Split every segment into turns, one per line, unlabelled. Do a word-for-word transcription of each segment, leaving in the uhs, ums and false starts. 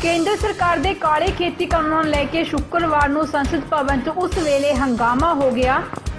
ਕੇਂਦਰ ਸਰਕਾਰ ਦੇ ਕਾਲੇ ਖੇਤੀ ਕਾਨੂੰਨਾਂ ਨੂੰ ਲੈ ਕੇ ਸ਼ੁੱਕਰਵਾਰ ਨੂੰ ਸੰਸਦ ਭਵਨ 'ਚ ਉਸ ਵੇਲੇ ਹੰਗਾਮਾ ਹੋ ਗਿਆ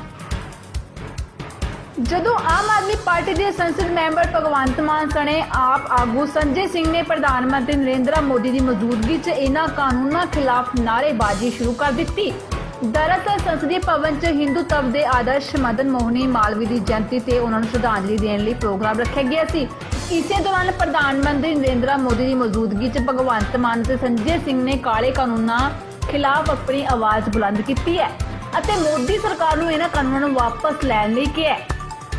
ਜਦੋਂ ਆਮ ਆਦਮੀ ਪਾਰਟੀ ਦੇ ਸੰਸਦ ਮੈਂਬਰ ਭਗਵੰਤ ਮਾਨ ਸਣੇ ਆਪ ਆਗੂ ਸੰਜੇ ਸਿੰਘ ਨੇ ਪ੍ਰਧਾਨ ਮੰਤਰੀ ਨਰਿੰਦਰ ਮੋਦੀ ਦੀ ਮੌਜੂਦਗੀ 'ਚ ਇਹਨਾਂ ਕਾਨੂੰਨਾਂ ਖਿਲਾਫ ਨਾਅਰੇਬਾਜ਼ੀ ਸ਼ੁਰੂ ਕਰ ਦਿੱਤੀ। दरअसल संसदीय भवन च हिंदुत्व के आदर्श मदन मोहनी मालवीय की जयंती से उन्होंने श्रद्धांजलि देने लिए प्रोग्राम रखा गया सी। इसे दौरान प्रधानमंत्री नरेंद्र मोदी की मौजूदगी च भगवंत मान ते संजय सिंह ने काले कानूनों खिलाफ अपनी आवाज़ बुलंद की है और मोदी सरकार को इन्हां कानूनों वापस लैण लई कहा है।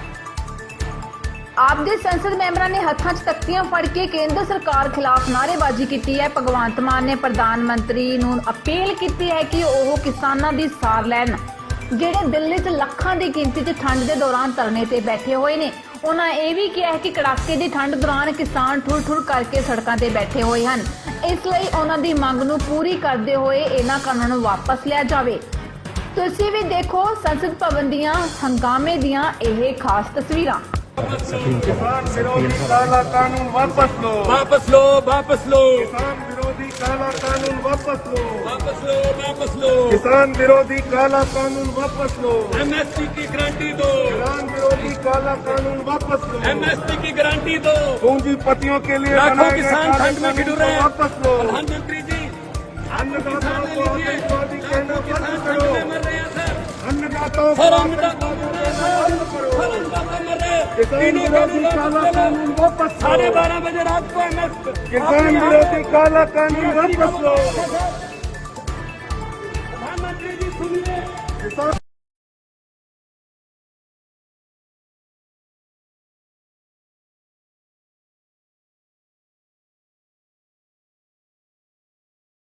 आप दे संसद मैंबरां ने हत्थां 'च तख्तियां फड़ के केंद्र सरकार खिलाफ नारेबाजी की है। भगवंत मान ने प्रधानमंत्री नूं अपील की है कि वह किसानां दी सार लैण जिहड़े दिल्ली 'च लखां दी गिनती 'च ठंड के दौरान धरने ते बैठे हुए ने। उन्हां यह भी कहा है कि कड़ाके की ठंड दौरान किसान ठुर ठुर करके सड़कों ते बैठे हुए हैं, इसलिए उन्हां दी मंग नूं पूरी करते हुए इन्हां कानूनां नूं वापस लिया जाए। तुसीं भी देखो संसद भवन दीयां हंगामे दीयां यह खास तस्वीरां।
किसान विरोधी काला कानून वापस लो,
वापस लो, वापस लो,
किसान विरोधी काला कानून वापस लो,
वापस लो, वापस लो,
किसान विरोधी काला कानून वापस लो,
एमएसपी की गारंटी दो,
किसान विरोधी काला कानून वापस लो,
एमएसपी की गारंटी दो।
पूंजीपतियों के लिए
लाखों
बनाए गए
किसान
काले
ठंड में
कानून
गिर रहे
को
हैं।
वापस लो,
प्रधानमंत्री जी
अन्नदाताओं को आतंकवादी कहना बंद करो,
मर रहे हैं सर,
अन्नदाताओं को
सर
आतंकवादी कहना बंद करो,
सर अन्नदाता मर रहे हैं।
किसान
तीनों
विरोधी
कानून
काला
वापस
कानून
लो।
वापस
साढ़े
लो,
बारह बजे रात को एमएस
किसान विरोधी काला कानून वापस लो,
प्रधानमंत्री जी सुनिए।
किसान